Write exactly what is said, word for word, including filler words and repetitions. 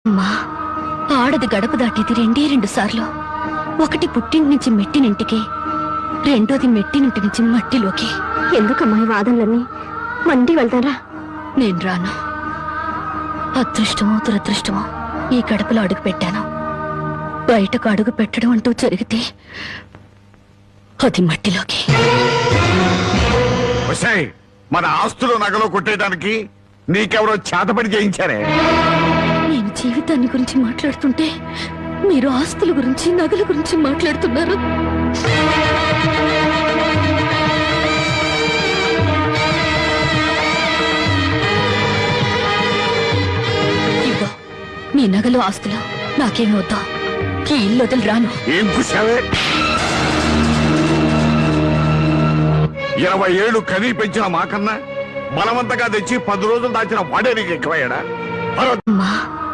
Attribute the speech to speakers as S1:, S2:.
S1: అమ్మా, ఆడది గడప దాటేది రెండే రెండు సార్లు. ఒకటి పుట్టింటి నుంచి మెట్టినింటికి, రెండోది మెట్టినింటి నుంచి మట్టిలోకి.
S2: ఎందుకమ్మా ఈ వాదనలన్నీ? మండి వెళ్తారా?
S1: నేను రాను. అదృష్టమో దురదృష్టమో ఈ గడపలో అడుగు పెట్టాను. బయటకు అడుగు పెట్టడం అంటూ జరిగితే అది మట్టిలోకి.
S3: మన ఆస్తులు నగలు కొట్టేయడానికి నీకెవరో చేతపడి చేయించారే?
S1: నేను జీవితాన్ని గురించి మాట్లాడుతుంటే మీరు ఆస్తుల గురించి నగల గురించి మాట్లాడుతున్నారు. ఇదిగో మీ నగలు ఆస్తులు నాకేమి వద్దా. ఈ ఇల్లు వదిలి రాను.
S3: ఏం చూసావే? ఇరవై ఏళ్ళు కనీ పెంచిన మాకన్నా బలవంతంగా తెచ్చి పది రోజులు దాచిన వాడే నీకు ఎక్కువయ్యాడా?
S1: అమ్మా,